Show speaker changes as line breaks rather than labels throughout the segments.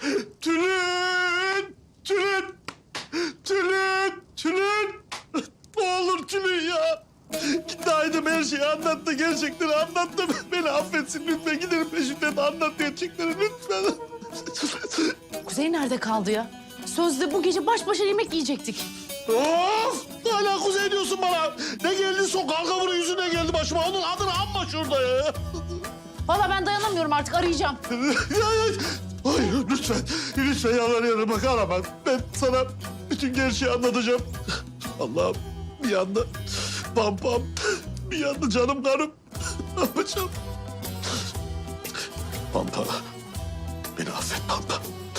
Tülin! Tülin! Tülin! Tülin! Ne olur Tülin ya! Gitti Aydın her şeyi anlattı, gerçekleri anlattı. Beni affetsin lütfen, gidelim peşinden anlat gerçekleri lütfen.
Kuzey nerede kaldı ya? Sözde bu gece baş başa yemek yiyecektik.
Of! Hala Kuzey diyorsun bana. Ne geldi sokak kavuru yüzüne geldi başıma. Onun adını anma şurada ya.
Vallahi ben dayanamıyorum artık, arayacağım.
Hayır lütfen, lütfen yalvarıyorum bak arama. Ben sana bütün gerçeği anlatacağım. Allah'ım bir yanda pampam, bir yanda canım karım. Ne yapacağım? Pampa, beni affet Pampa.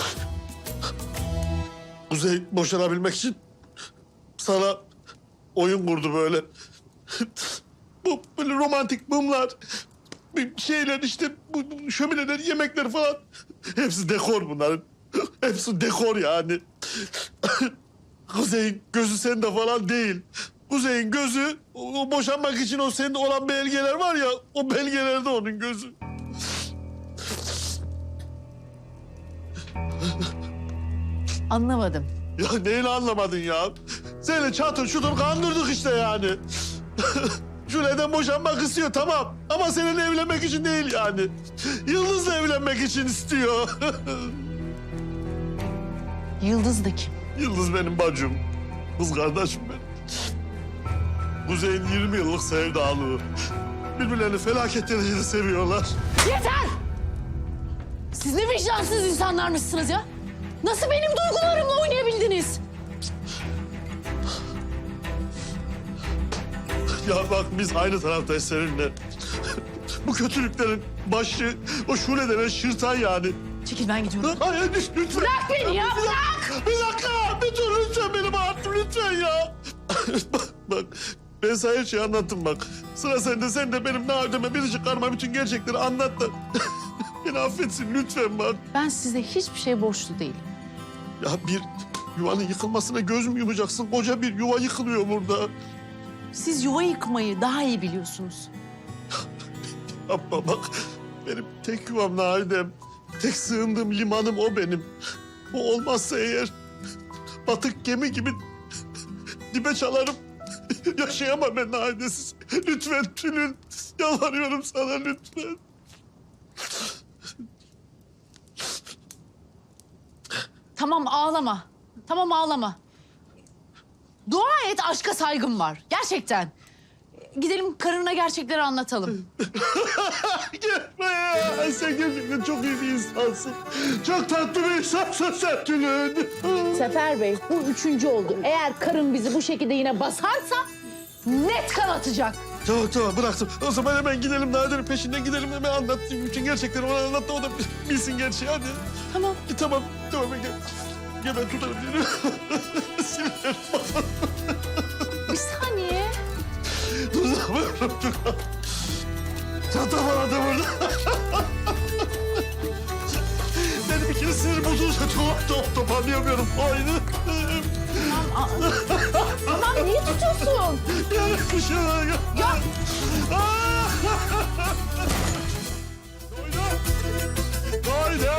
Kuzey boşanabilmek için sana oyun kurdu böyle. Bu böyle romantik mumlar, bir şeyler işte bu şömineler, yemekler falan. Hepsi dekor bunların. Hepsi dekor yani. Kuzey'in gözü sende falan değil. Kuzey'in gözü o boşanmak için o sende olan belgeler var ya, o belgelerde onun gözü.
Anlamadım.
Ya neyini anlamadın ya? Seni çatır çutur kandırdık işte yani. Şule'den boşanmak istiyor tamam. Ama seninle evlenmek için değil yani. Yıldız'la evlenmek için istiyor.
Yıldız da kim?
Yıldız benim bacım. Kız kardeşim benim. Kuzey'in 20 yıllık sevdalığı. Birbirlerini felaket derecede seviyorlar.
Yeter! Siz ne vicdansız insanlarmışsınız ya? Nasıl benim duygularımla oynayabildiniz?
Ya bak biz aynı taraftayız seninle. Bu kötülüklerin başı o Şule denen şırtan yani.
Çekil, ben gidiyorum.
Hayır lütfen.
Bırak beni ya, bırak!
Bir dakika, bir dur lütfen benim hayatım lütfen ya. bak, ben sana her şeyi anlattım bak. Sıra sende, sen de benim Nadime'me bir çıkarma bütün gerçekleri anlat da. Beni affetsin lütfen bak.
Ben size hiçbir şey borçlu değilim.
Ya bir yuvanın yıkılmasına göz mü yumacaksın? Koca bir yuva yıkılıyor burada.
Siz yuva yıkmayı daha iyi biliyorsunuz.
Yapma bak. Benim tek yuvam Nadem. Tek sığındığım limanım o benim. O olmazsa eğer batık gemi gibi dibe çalarım. Yaşayamam ben Nadesiz. Lütfen Tülin. Yalvarıyorum sana lütfen.
Tamam, ağlama. Tamam, ağlama. Dua et, aşka saygım var. Gerçekten. Gidelim karına gerçekleri anlatalım.
Gelme ya. Sen gerçekten çok iyi bir insansın. Çok tatlı bir insansın sen Tülin.
Sefer Bey, bu 3. oldu. Eğer karın bizi bu şekilde yine basarsa net kan atacak.
Tamam bıraktım. O zaman hemen gidelim Nadir'in peşinden gidelim hemen anlatayım. Bütün gerçekleri ona anlat da o da bilsin gerçeği hadi.
Tamam.
Tamam ben gel. Gel ben tutarım seni. Sinirlerim bana.
Bir saniye.
Tutamıyorum dur. Çanta bana da burada. Benim bir kere sinir bozulursa toparlayamıyorum. Aynı.
Tamam, niye tutuyorsun?
Yani kışına gel.
Ya
Haydi!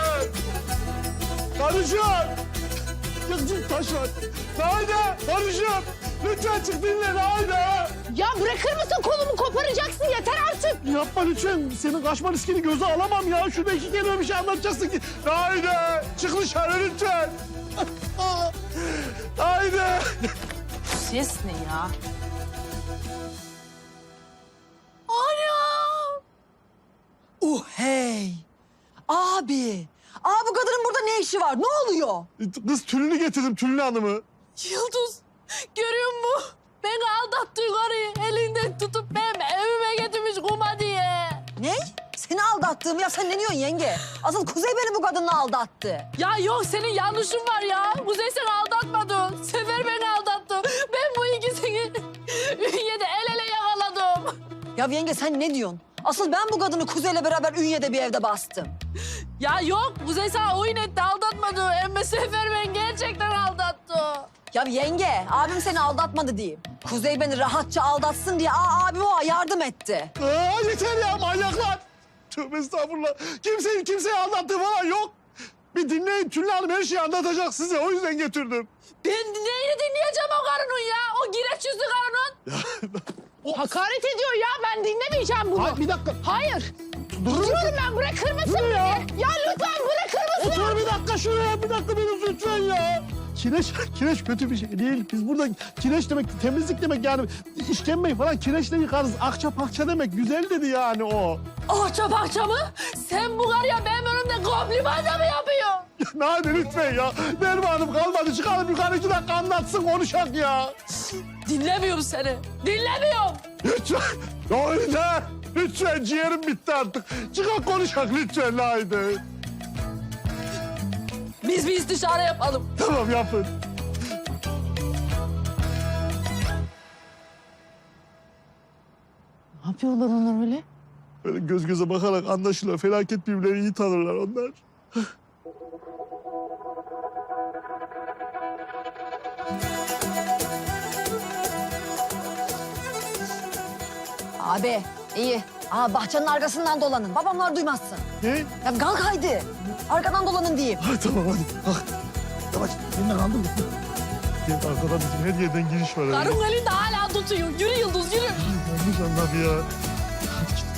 Karıcığım! Kızım taş var. Haydi! Karıcığım! Lütfen çık dinle haydi!
ya bırakır mısın, kolumu koparacaksın, yeter artık.
Yapma lütfen. Senin kaçma riskini göze alamam ya. Şurada 2 kelime bir şey anlatacaksın ki. Haydi! Çık dışarı lütfen. Haydi!
Ses ne ya? Anam!
Hey! Abi! Bu kadının burada ne işi var? Ne oluyor?
Kız Tülün'ü getirdim, Tülün Hanım'ı.
Yıldız, görüyor musun? Beni aldattı karıyı, elinden tutup benim evime getirmiş kuma diye.
Ne? Seni aldattığım ya sen ne diyorsun yenge? Asıl Kuzey beni bu kadınla aldattı.
Ya yok, senin yanlışın var ya. Kuzey seni aldatmadı. Sefer beni aldattı. Ben bu ikisini Ünye'de el ele yakaladım.
Ya yenge sen ne diyorsun? Asıl ben bu kadını Kuzey'le beraber Ünye'de bir evde bastım.
Ya yok, Kuzey sana oyun etti, aldatmadı. Ama Sefer beni gerçekten aldattı.
Ya yenge, abim seni aldatmadı diyeyim. Kuzey beni rahatça aldatsın diye abim o yardım etti.
Yeter ya manyaklar. Tövbe estağfurullah. Kimseyi aldattığı falan yok. Bir beni dinleyin. Tülin Hanım her şeyi anlatacak size. O yüzden getirdim.
Ben neyini dinleyeceğim o karının ya? O gireç yüzlü karının.
Hakaret ediyor ya, ben dinlemeyeceğim bunu.
Ay, bir dakika.
Hayır.
Durun.
Diyorum ben, bırakır mısın
Dur
beni?
ya.
Ya lütfen bırakır mısın?
Otur bir dakika şuraya. Bir dakika beni lütfen ya. Kireç kötü bir şey değil. Biz burada kireç demek, temizlik demek yani. İşkembeyi falan kireçle yıkarız. Akça pakça demek. Güzel dedi yani o.
Ahça bahça mı? Sen bu karıya benim önümde kompliman da mı yapıyorsun?
Hadi lütfen ya. Dermanım kalmadı. Çıkalım yukarı 2 dakika anlatsın konuşak ya.
Dinlemiyorum seni. Dinlemiyorum.
Lütfen. Haydi. Lütfen ciğerim bitti artık. Çıkak konuşak lütfen haydi.
Biz bir istişare yapalım.
Tamam yapın.
Ne yapıyorlar onlar öyle?
Böyle göz göze bakarak anlaşılır. Felaket birbirlerini iyi tanırlar onlar.
Abi iyi. Bahçenin arkasından dolanın. Babamlar duymazsın.
Ne?
Ya kalk haydi. Arkadan dolanın diyeyim.
Ha, tamam hadi. Kalk. Yavaş. Eline kaldır. Gel arkadan bizim her yerden giriş var. öyle.
Karın elinde hala tutuyor. Yürü Yıldız yürü.
Yanlış anladı ya. Hadi git.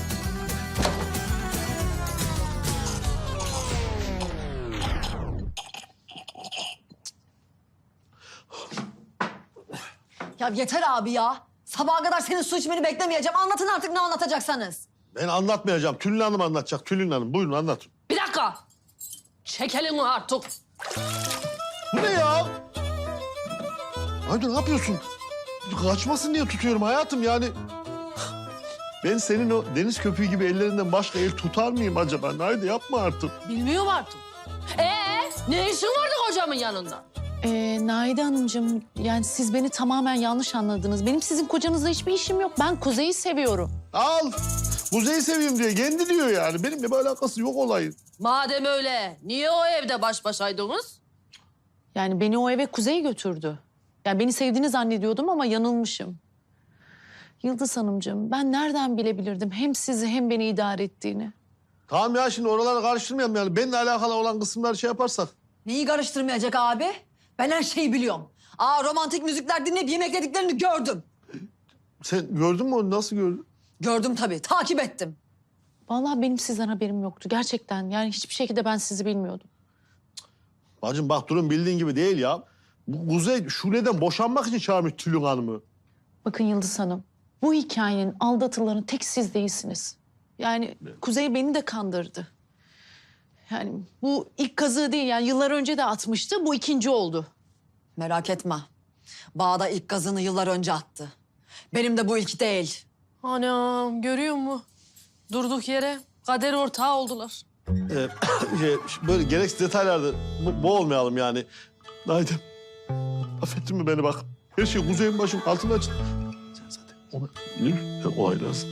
Ya yeter abi ya. Sabaha kadar senin su içmeni beklemeyeceğim. Anlatın artık ne anlatacaksanız.
Ben anlatmayacağım. Tülin Hanım anlatacak. Tülin Hanım buyurun anlatın.
Bir dakika. Çek elini artık.
Bu ne ya? Haydi ne yapıyorsun? Kaçmasın diye tutuyorum hayatım yani. Ben senin o deniz köpüğü gibi ellerinden başka el tutar mıyım acaba? Haydi yapma artık.
Bilmiyorum artık. Ne işin vardı kocamın yanında?
Naide Hanımcığım, yani siz beni tamamen yanlış anladınız. Benim sizin kocanızla hiçbir işim yok. Ben Kuzey'i seviyorum.
Al. Kuzey'i seviyorum diye. Kendi diyor yani. Benimle bir alakası yok olayın.
Madem öyle, niye o evde baş başaydınız?
Yani beni o eve Kuzey götürdü. Yani beni sevdiğini zannediyordum ama yanılmışım. Yıldız Hanımcığım, ben nereden bilebilirdim hem sizi hem beni idare ettiğini?
Tamam ya şimdi oraları karıştırmayalım yani. Benimle alakalı olan kısımları şey yaparsak.
Neyi karıştırmayacak abi? Ben her şeyi biliyorum. Romantik müzikler dinleyip yemeklediklerini gördüm.
Sen gördün mü onu? Nasıl gördün?
Gördüm tabii. Takip ettim.
Vallahi benim sizden haberim yoktu gerçekten. Yani hiçbir şekilde ben sizi bilmiyordum.
Bacım bak durum bildiğin gibi değil ya. Bu Kuzey Şule'den boşanmak için çağırmış Tülin Hanım'ı.
Bakın Yıldız Hanım, bu hikayenin aldatılanı tek siz değilsiniz. Yani Kuzey beni de kandırdı. Yani bu ilk kazığı değil, yani yıllar önce de atmıştı, bu ikinci oldu.
Merak etme. Bağda ilk gazını yıllar önce attı. Benim de bu ilk değil.
Anam görüyor musun? Durduk yere kader ortağı oldular.
Böyle gereksiz detaylarda boğulmayalım yani. Haydi. Affettin mi beni bak. Her şey Kuzey'in başım altına açın. Sen zaten onu olaylarsın.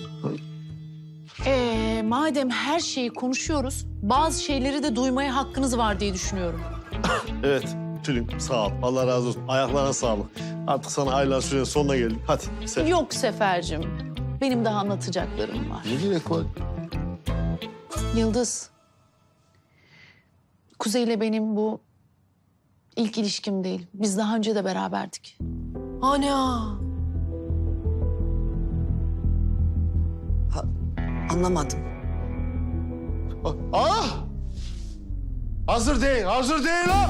Madem her şeyi konuşuyoruz, bazı şeyleri de duymaya hakkınız var diye düşünüyorum.
Evet Tülin sağ ol. Allah razı olsun. Ayaklarına sağlık. Artık sana aylar sürenin sonuna geldim. Hadi sen.
Yok Sefer'cim, benim daha anlatacaklarım var.
Ne gerek var?
Yıldız, Kuzey'le benim bu ilk ilişkim değil. Biz daha önce de beraberdik.
Ana.
Anlamadım.
Ah! Hazır değil, hazır değil ha!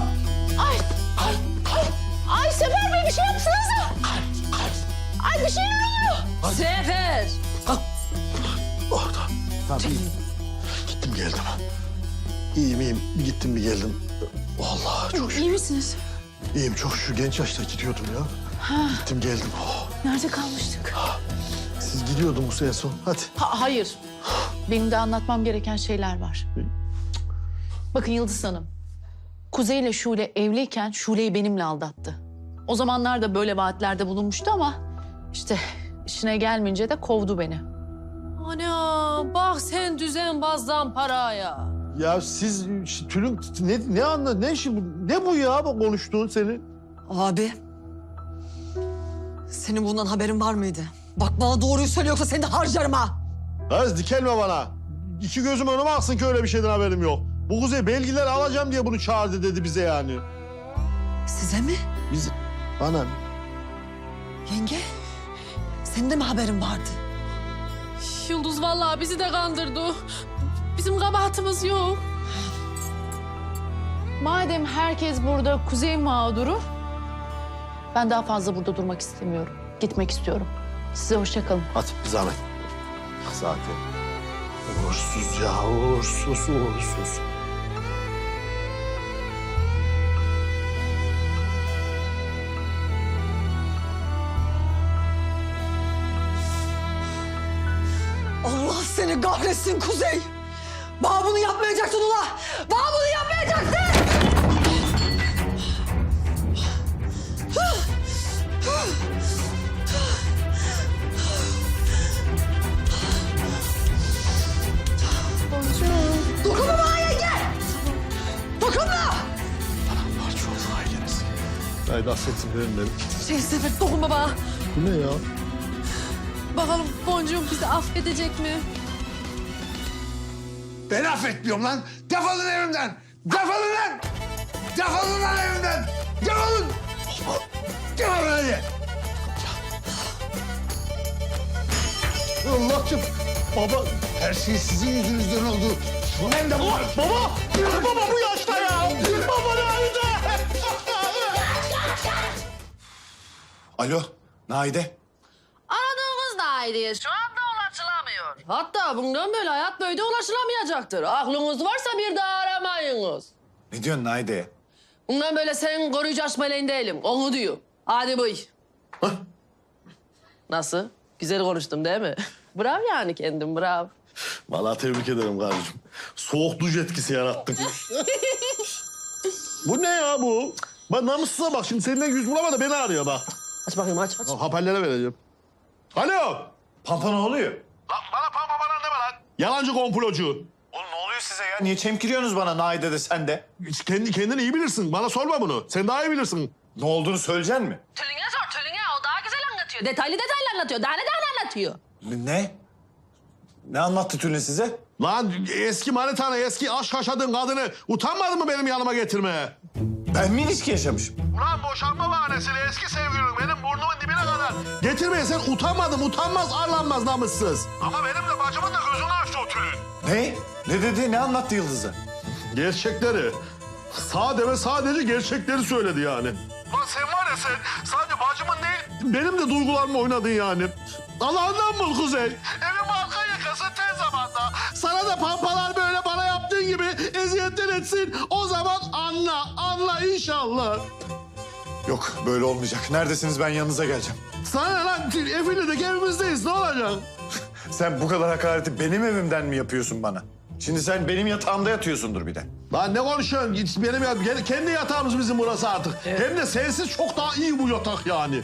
Ay Sefer Bey, bir şey yapsanıza. Ay bir şeyler oluyor.
Sefer.
Oh, tamam iyiyim. Gittim geldim. İyiyim. Gittim bir geldim. Vallahi çok şükür.
İyi misiniz?
İyiyim çok şükür. Genç yaşta gidiyordum ya. Gittim geldim. Oh.
Nerede kalmıştık?
Siz gidiyordunuz en son. Hadi.
Hayır. Benim de anlatmam gereken şeyler var. Bakın Yıldız Hanım. Kuzey ile Şule evliyken Şule'yi benimle aldattı. O zamanlar da böyle vaatlerde bulunmuştu ama işte işine gelmeyince de kovdu beni.
Ana bak sen düzenbazdan paraya.
Ya siz Tülin ne işi bu? Ne bu ya bu konuştuğun senin?
Abi. Senin bundan haberin var mıydı? Bak bana doğruyu söyle yoksa seni de harcarım ha.
Kız dikelme bana. İki gözüm önüme aksın ki öyle bir şeyden haberim yok. Bu Kuzey belgeleri alacağım diye bunu çağırdı dedi bize yani.
Size mi?
Biz bana
Yenge, senin de mi haberin vardı?
Yıldız vallahi bizi de kandırdı. Bizim kabahatimiz yok.
Madem herkes burada Kuzey mağduru, ben daha fazla burada durmak istemiyorum. Gitmek istiyorum. Size hoşça kalın.
hadi bir zahmet. Zaten uğursuz ya uğursuz.
Allah seni kahretsin Kuzey. Bana bunu yapmayacaktın ula. Bana bunu yapmayacaktın. Dokunma bana yenge. Dokunma.
Parça oldu aileniz. Haydi affetsin beni.
Sefer dokunma bana.
Bu ne ya?
Bakalım Boncuğum bizi affedecek mi?
Ben affetmiyorum lan. Defolun evimden. Defolun lan. Defolun lan evimden. Defolun. Defolun hadi.
Allah'ım. Baba.
Her şey sizin yüzünüzden oldu. Ben de bu.
Baba bu yaşta ya. Baba nerede?
Alo, Naide.
Aradığımız da ayrıya şu anda ulaşılamıyor. Hatta bundan böyle hayat boyu da ulaşılamayacaktır. Aklınız varsa bir daha aramayınız.
Ne diyorsun Naide?
Bundan böyle senin koruyucu meleğin değilim. Onu diyor. Hadi buy. Nasıl? Güzel konuştum değil mi? Bravo yani kendim, bravo.
Vallahi tebrik ederim kardeşim. Soğuk duş etkisi yarattın. Bu ne ya bu? Bak namussuza bak şimdi seninle yüz bulamadı beni arıyor bak.
Aç bakayım aç.
Hoparlöre vereceğim. Alo.
Pampa ne oluyor?
Lan bana pampa bana deme lan. Yalancı komplocu.
Oğlum ne oluyor size ya? Niye çemkiriyorsunuz bana Naide de sen de?
Kendini iyi bilirsin. Bana sorma bunu. Sen daha iyi bilirsin.
Ne olduğunu söyleyeceksin mi?
Tülün'e sor Tülün'e. O daha güzel anlatıyor. Detaylı anlatıyor. Daha ne anlatıyor?
Ne? Ne anlattı Tülin size?
Lan eski manitanı, eski aşk yaşadığın kadını utanmadın mı benim yanıma getirmeye?
Ben mi ilişki yaşamışım?
Ulan boşanma bahanesiyle eski sevgilin benim burnumun dibine kadar. Getirmeye sen utanmadın, utanmaz, arlanmaz namussuz. Ama benim de bacımın da gözünü açtı o tülün.
Ne? Ne dedi? Ne anlattı Yıldız'a?
Gerçekleri. Sade ve sadece gerçekleri söyledi yani. Lan sen var ya sen sadece bacımın değil benim de duygularımla oynadın yani. Allah'ından bul Kuzey. Evin arka yakası tez zamanda. Sana da pampalar böyle bana yaptığın gibi eziyetler etsin. O zaman anla inşallah.
Yok böyle olmayacak. Neredesiniz ben yanınıza geleceğim.
Sana ne lan Efili'deki evimizdeyiz ne olacak?
Sen bu kadar hakareti benim evimden mi yapıyorsun bana? Şimdi sen benim yatağımda yatıyorsundur bir de.
Lan ne konuşuyorsun? Benim kendi yatağımız bizim burası artık. Hem de sensiz çok daha iyi bu yatak yani.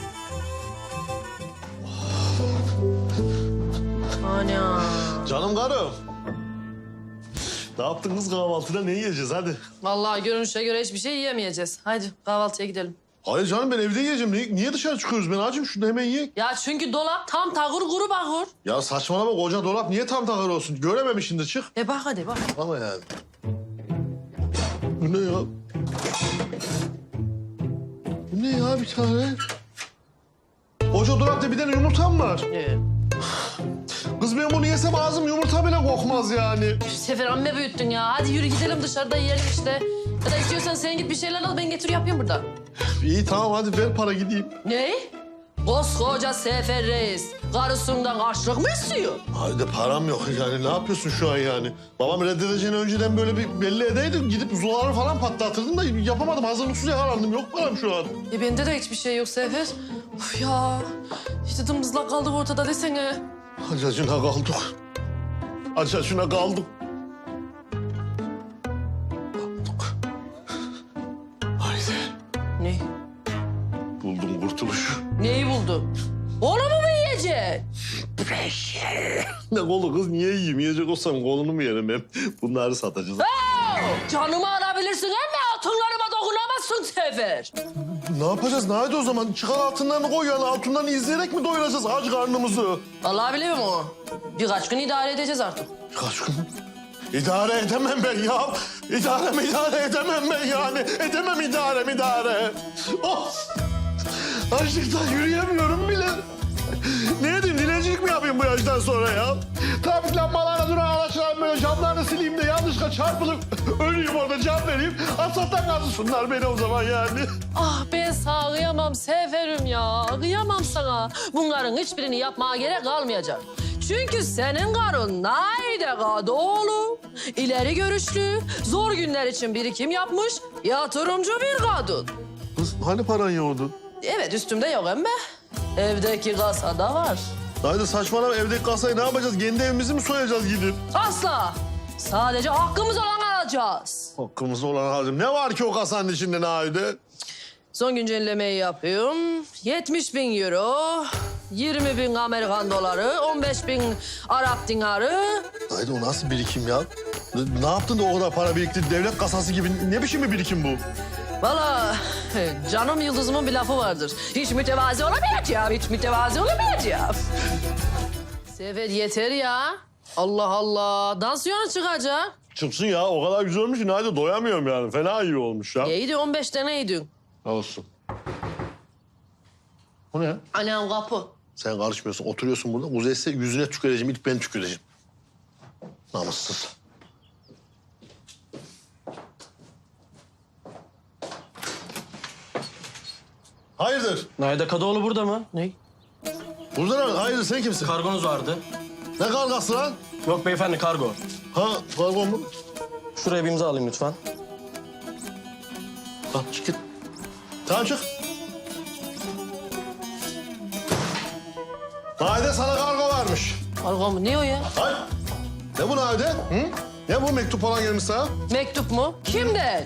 Ana.
Canım karım. Ne yaptınız kahvaltıda ne yiyeceğiz hadi.
Vallahi görünüşe göre hiçbir şey yiyemeyeceğiz. Haydi kahvaltıya gidelim.
Hayır canım ben evde yiyeceğim. Niye dışarı çıkıyoruz? Ben acım şunu hemen yiyek.
Ya çünkü dolap tam tağır kuru bakır.
Ya saçmalama koca dolap niye tam takır olsun? Görememişsin çık.
Bak hadi bak.
Ama yani. Bu ne ya? Bu ne ya bir tane? Koca dolapta bir tane yumurtam var. Kız ben bunu yesem ağzım yumurta bile kokmaz yani.
Sefer amme büyüttün ya. Hadi yürü gidelim dışarıda yiyelim işte. Ya da istiyorsan sen git bir şeyler al ben getir yapayım burada.
İyi tamam hadi ver para gideyim.
Ne? Koskoca Sefer Reis karısından harçlık mı istiyor?
Haydi param yok yani ne yapıyorsun şu an yani? Babam reddedeceğini önceden böyle bir belli edeydim. Gidip zuları falan patlatırdım da yapamadım. Hazırlıksız yakalandım. Yok param şu an.
Bende de hiçbir şey yok Sefer. Of ya. İşte dımdızlak kaldık ortada desene.
Acacına kaldık. Acacına kaldık. Haydi.
Ne?
Buldum kurtuluşu.
Neyi buldun? Onu mu yiyeceksin?
Ne kolu kız niye yiyeyim? Yiyecek olsam kolunu mu yerim hep? Bunları satacağız.
Canımı alabilirsin ama altınlarıma dokunamazsın Sefer.
Ne yapacağız? Nerede o zaman? Çıkar altınlarını koy yani. Altınlarını izleyerek mi doyuracağız aç karnımızı?
Vallahi biliyorum o. Birkaç gün idare edeceğiz artık.
Kaç gün? İdare edemem ben ya. İdare edemem ben yani. Edemem idare. Oh! Açlıktan yürüyemiyorum bile. Ne edeyim, dilencilik mi yapayım bu yaştan sonra ya? Trafik lambalarına duran araçların böyle camlarını sileyim de yanlışlıkla çarpılıp öleyim orada, can vereyim. Asfalttan kazısınlar beni o zaman yani.
Ah ben sana kıyamam Seferim ya. Kıyamam sana. Bunların hiçbirini yapmaya gerek kalmayacak. Çünkü senin karın Naide Kadıoğlu. İleri görüşlü, zor günler için birikim yapmış, yatırımcı bir kadın.
Kız hani paran yoğdu?
Evet üstümde yok emme. Evdeki kasada var.
Haydi saçmalama, evdeki kasayı ne yapacağız? Kendi evimizi mi soyacağız gidip?
Asla. Sadece hakkımız olanı alacağız.
Hakkımızda olan harcım. Ne var ki o kasanın içinde Naide?
Son güncellemeyi yapıyorum. 70.000 euro, 20.000 Amerikan doları, 15.000 Arap dinarı.
Naide o nasıl birikim ya? Ne yaptın da o kadar para birikti? Devlet kasası gibi ne biçim bir birikim bu?
Vallahi canım Yıldız'ımın bir lafı vardır. Hiç mütevazi olamayacağım, hiç mütevazi olamayacağım. Sefer yeter ya. Allah Allah. Dansiyona çıkacak.
Çıksın ya, o kadar güzel olmuş ki Naide doyamıyorum yani. Fena iyi olmuş ya.
İyiydi 15 tane yedin.
Olsun. Bu ne?
Anam kapı.
Sen karışmıyorsun, oturuyorsun burada. Uzaysa yüzüne tüküreceğim, ilk ben tüküreceğim. Namussuz. Hayırdır?
Naide Kadıoğlu burada mı? Ne?
Burada ne? Hayırdır, sen kimsin?
Kargonuz vardı.
Ne kargası lan?
Yok beyefendi kargo.
Ha, kargo mu?
Şuraya bir imza alayım lütfen.
Bak çık git. Tamam çık. Naide sana kargo varmış.
Kargo mu? Ne o ya?
Hayır. Ne bu Naide? Hı? Ne bu mektup falan gelmiş sana?
Mektup mu? Kimden?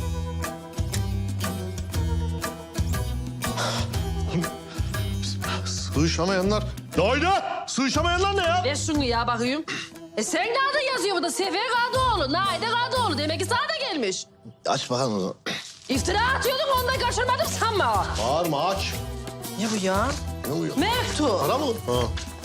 Sığışamayanlar. Naide! Sığışamayanlar ne ya?
Ver şunu ya bakayım. Sen de adın yazıyor burada. Sefer Kadıoğlu, Naide Kadıoğlu. Demek ki sana da gelmiş.
Aç bakalım o zaman.
İftira atıyordun ondan kaçırmadım sanma.
Bağırma, aç.
Ne bu ya?
Ne oluyor?
Mektup.
Para mı? Ha.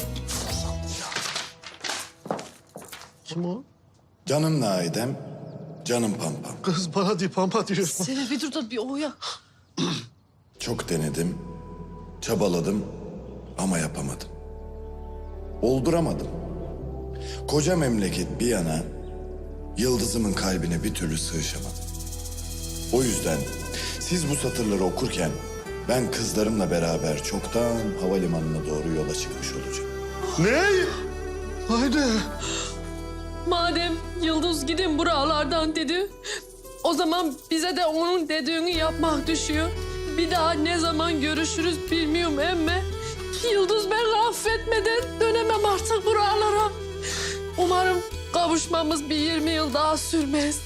Kim o?
Canım Naidem, canım Pampam.
Kız bana değil, pampa diyor.
Sefer bir dur da bir o ya.
Çok denedim, çabaladım ama yapamadım. Olduramadım. Koca memleket bir yana, Yıldız'ımın kalbine bir türlü sığışamadım. O yüzden siz bu satırları okurken ben kızlarımla beraber çoktan havalimanına doğru yola çıkmış olacağım.
Ne? Haydi.
Madem Yıldız gidin buralardan dedi, o zaman bize de onun dediğini yapmak düşüyor. Bir daha ne zaman görüşürüz bilmiyorum emme. Yıldız beni affetmeden dönemem artık buralara. Umarım kavuşmamız bir 20 yıl daha sürmez.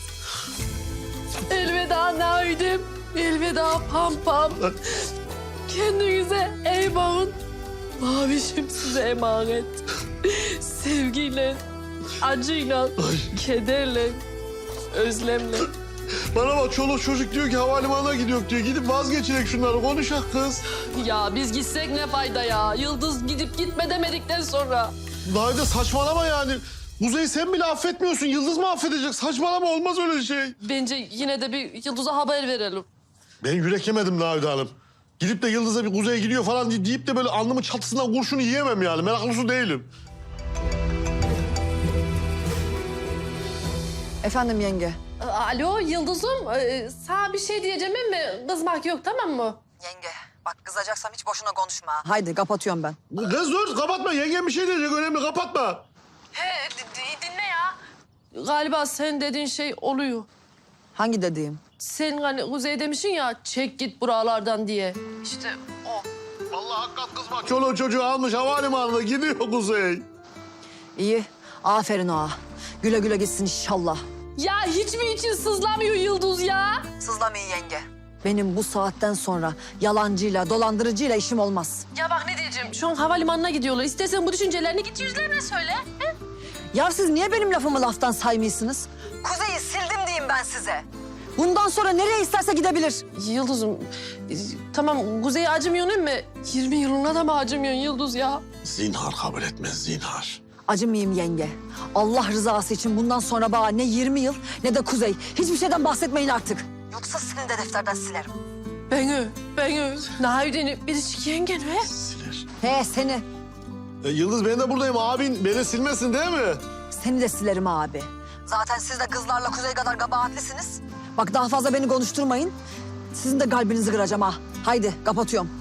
Elveda Naidem, elveda Pampam. Kendinize iyi bakın. Mavişim size emanet. Sevgiyle, acıyla, kederle, özlemle.
Bana bak, çoluk çocuk diyor ki havalimanına gidiyor diyor. Gidip vazgeçirek şunları, konuşak kız.
Ya biz gitsek ne fayda ya? Yıldız gidip gitme demedikten sonra.
Naide saçmalama yani. Kuzey sen bile affetmiyorsun. Yıldız mı affedecek? Saçmalama, olmaz öyle şey.
Bence yine de bir Yıldız'a haber verelim.
Ben yürek yemedim Naide Hanım. Gidip de Yıldız'a bir Kuzey gidiyor falan deyip de böyle alnımın çatısından kurşunu yiyemem yani. Meraklısı değilim.
Efendim yenge.
Alo Yıldız'ım, sana bir şey diyeceğim ama kızmak yok tamam mı?
Yenge, bak kızacaksam hiç boşuna konuşma.
Haydi kapatıyorum ben.
Kız dur, kapatma. Yengem bir şey diyecek, önemli, kapatma.
He dinle ya. Galiba sen dediğin şey oluyor.
Hangi dediğim?
Sen hani Kuzey demişsin ya çek git buralardan diye. İşte o.
Vallahi hakikat kızma. Çoluğu çocuğu almış havalimanına gidiyor Kuzey.
İyi. Aferin ağa. Güle güle gitsin inşallah.
Ya hiç mi için sızlamıyor Yıldız ya?
Sızlamayın yenge.
Benim bu saatten sonra yalancıyla, dolandırıcıyla işim olmaz.
Ya bak ne diyeceğim. Şu an havalimanına gidiyorlar. İstersen bu düşüncelerini git yüzlerine söyle. He?
Ya siz niye benim lafımı laftan saymıyorsunuz?
Kuzeyi sildim diyeyim ben size.
Bundan sonra nereye isterse gidebilir.
Yıldız'ım tamam Kuzey'e acımıyorsun ama 20 yılına da mı acımıyorsun Yıldız ya?
Zinhar kabul etmez, zinhar.
Acımayayım yenge. Allah rızası için bundan sonra bana ne 20 yıl ne de Kuzey. Hiçbir şeyden bahsetmeyin artık.
Yoksa seni de defterden silerim.
Beni, Nahide'ni biricik yengen he?
He seni.
Yıldız ben de buradayım abin. Beni silmesin değil mi?
Seni de silerim abi.
Zaten siz de kızlarla Kuzey kadar kabahatlisiniz.
Bak daha fazla beni konuşturmayın. Sizin de kalbinizi kıracağım ha. Haydi kapatıyorum.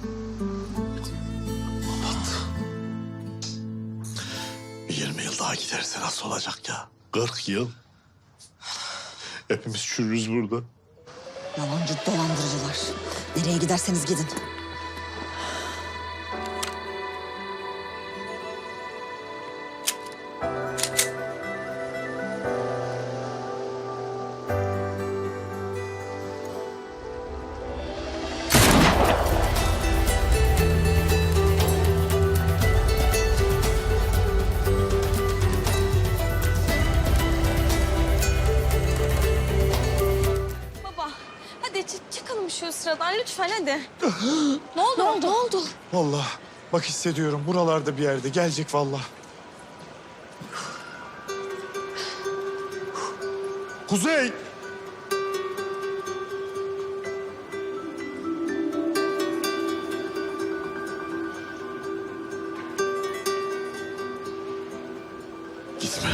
20 yıl daha giderse nasıl olacak ya? 40 yıl. Hepimiz çürürüz burada.
Yalancı dolandırıcılar. Nereye giderseniz gidin.
Baba, hadi çıkalım şu sıradan lütfen hadi. Ne oldu? Ne oldu?
Vallahi bak hissediyorum buralarda bir yerde gelecek vallahi.
Kuzey! Gitme.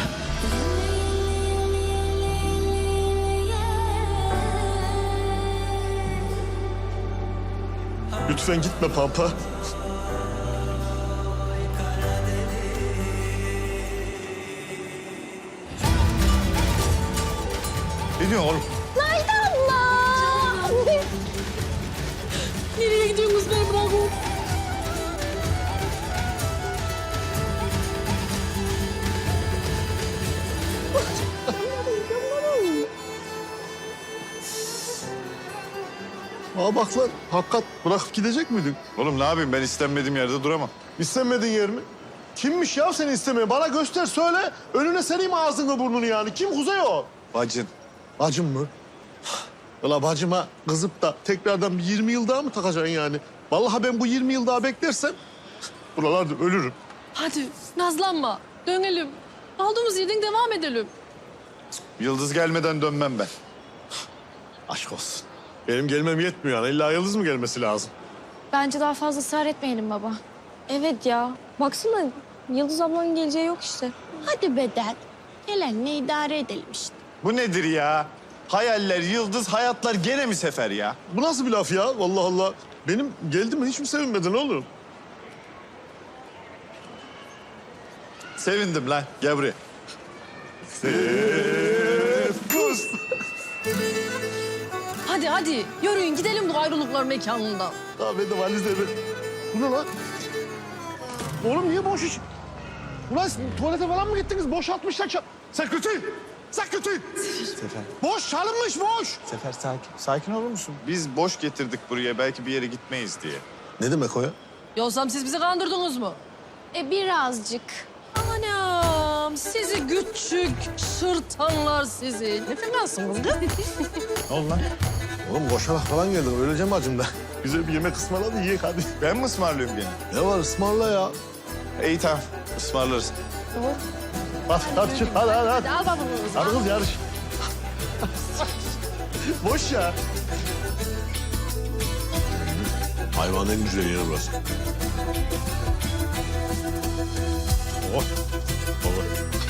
Lütfen gitme Pampa.
Ne diyorsun oğlum?
Nereye gidiyorsunuz beni bırakın?
Aa bak lan, hakikat bırakıp gidecek miydin?
Oğlum ne yapayım ben istenmediğim yerde duramam.
İstemediğin yer mi? Kimmiş ya seni istemeyen? Bana göster, söyle. Önüne sereyim ağzını burnunu yani. Kim Kuzey o?
Bacın.
Bacım mı? Ulan bacıma kızıp da tekrardan bir 20 yıl daha mı takacaksın yani? Vallahi ben bu 20 yıl daha beklersem buralarda ölürüm.
Hadi nazlanma. Dönelim. Aldığımız yerden devam edelim.
Yıldız gelmeden dönmem ben.
Aşk olsun. Benim gelmem yetmiyor yani. İlla Yıldız mı gelmesi lazım?
Bence daha fazla ısrar etmeyelim baba. Evet ya. Baksana Yıldız ablanın geleceği yok işte.
Hadi beden. Gelenle idare edelim işte.
Bu nedir ya? Hayaller, yıldız, hayatlar gene mi sefer ya?
Bu nasıl bir laf ya? Vallahi Allah. Benim geldim hiç mi sevinmedin oğlum?
Sevindim lan. Gel buraya.
Kuz.
Hadi yürüyün gidelim bu ayrılıklar mekanından.
Daha ben de valizle bir... Bu ne lan? Oğlum niye boş iş? Ulan siz tuvalete falan mı gittiniz? Boşaltmışlar çal... Sekreter! Sekreter!
Sefer.
Boş, çalınmış boş!
Sefer sakin. Sakin olur musun? Biz boş getirdik buraya belki bir yere gitmeyiz diye.
Ne demek o ya?
Yoksa siz bizi kandırdınız mı?
Birazcık.
Anam sizi küçük şırtanlar sizi. Ne fenasınız kız?
Ne oldu lan?
Oğlum koşarak falan geldim. Öleceğim acımda. Güzel bir yemek ısmarla da yiyek hadi.
Ben mi ısmarlıyorum gene?
Ne var ısmarla ya.
İyi tamam. Ismarlarız.
Hadi çık hadi.
Al bakalım.
Hadi kız yarış. Boş ya. Hayvanın en güzel yeri burası. Oh. Baba.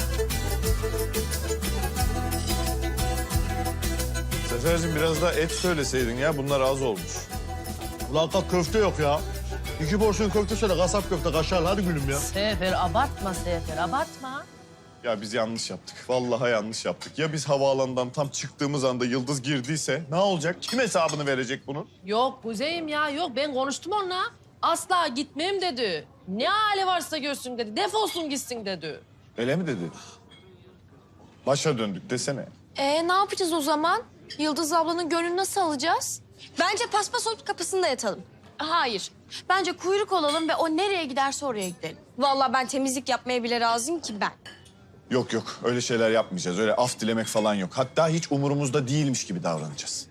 Seferciğim biraz daha et söyleseydin ya. Bunlar az olmuş.
Ulan kalk köfte yok ya. 2 porsiyon köfte söyle kasap köfte kaşarlı hadi gülüm ya.
Sefer abartma Sefer abartma.
Ya biz yanlış yaptık. Vallahi yanlış yaptık. Ya biz havaalanından tam çıktığımız anda Yıldız girdiyse ne olacak? Kim hesabını verecek bunun?
Yok Kuzey'im ya yok ben konuştum onunla. Asla gitmem dedi. Ne hali varsa görsün dedi. Defolsun gitsin dedi.
Öyle mi dedi? Başa döndük desene.
Ne yapacağız o zaman? Yıldız ablanın gönlünü nasıl alacağız? Bence paspas olup kapısında yatalım.
Hayır. Bence kuyruk olalım ve o nereye giderse oraya gidelim.
Vallahi ben temizlik yapmaya bile razıyım ki ben.
Yok yok öyle şeyler yapmayacağız. Öyle af dilemek falan yok. Hatta hiç umurumuzda değilmiş gibi davranacağız.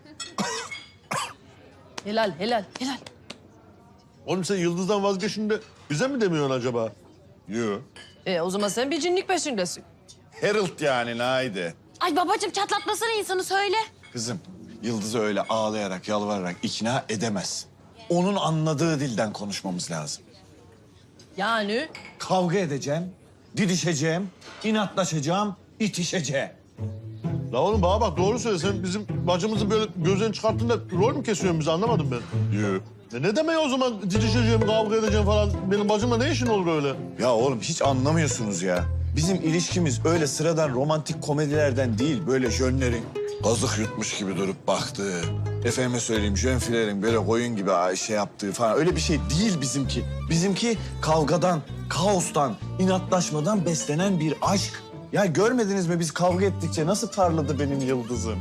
Helal helal helal.
Oğlum sen Yıldız'dan vazgeçin de bize mi demiyorsun acaba?
Yok.
O zaman sen bir cinlik peşindesin.
Harold yani Naide.
Ay babacığım çatlatmasana insanı söyle.
Kızım, Yıldız'ı öyle ağlayarak, yalvararak ikna edemez. Onun anladığı dilden konuşmamız lazım.
Yani
Kavga edeceğim, didişeceğim, inatlaşacağım, itişeceğim.
La oğlum bana bak doğru söyle. Sen bizim bacımızın böyle gözlerini çıkarttığında rol mü kesiyorsun bizi anlamadım ben.
Yok.
Ne demek o zaman didişeceğim, kavga edeceğim falan. Benim bacımla ne işin olur öyle?
Ya oğlum hiç anlamıyorsunuz ya. Bizim ilişkimiz öyle sıradan romantik komedilerden değil. Böyle jönlerin kazık yutmuş gibi durup baktığı. Efendime söyleyeyim jönfilerin böyle koyun gibi şey yaptığı falan. Öyle bir şey değil bizimki. Bizimki kavgadan, kaostan, inatlaşmadan beslenen bir aşk. Ya görmediniz mi biz kavga ettikçe nasıl parladı benim Yıldız'ım?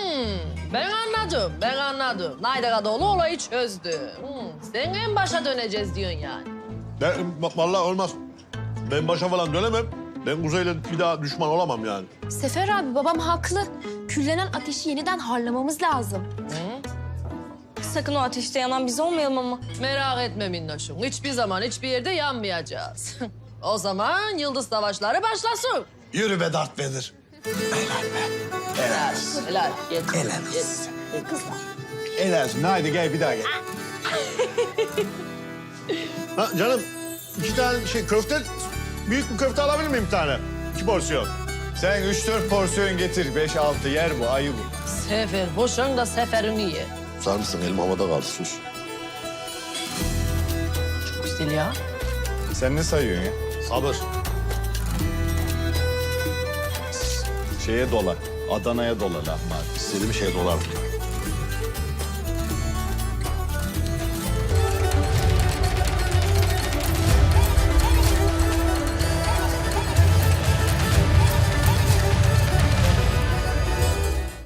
ben anladım. Naide Kadıoğlu olayı çözdü. Sen en başa döneceğiz diyorsun yani.
Ben vallahi olmaz. Ben başa falan dönemem. Ben Kuzey'le bir daha düşman olamam yani.
Sefer abi babam haklı. Küllenen ateşi yeniden harlamamız lazım. Sakın o ateşte yanan biz olmayalım ama.
Merak etme minnoşum. Hiçbir zaman hiçbir yerde yanmayacağız. O zaman yıldız savaşları başlasın.
Yürü be Darth Vader.
Helal. Gel.
Helal
Gel.
olsun. Helal olsun. Haydi gel bir daha gel.
Ha canım 2 tane köfte, büyük bir köfte alabilir miyim bir tane? 2 porsiyon.
Sen 3-4 porsiyon getir. 5-6 yer bu, ayı bu.
Sefer boşan da seferini ye.
Sar mısın? Elim havada kaldı sus.
Çok güzel ya.
Sen ne sayıyorsun ya?
Sabır.
Şeye dola. Adana'ya dola lahmacun.
İstediğim şeye dolar.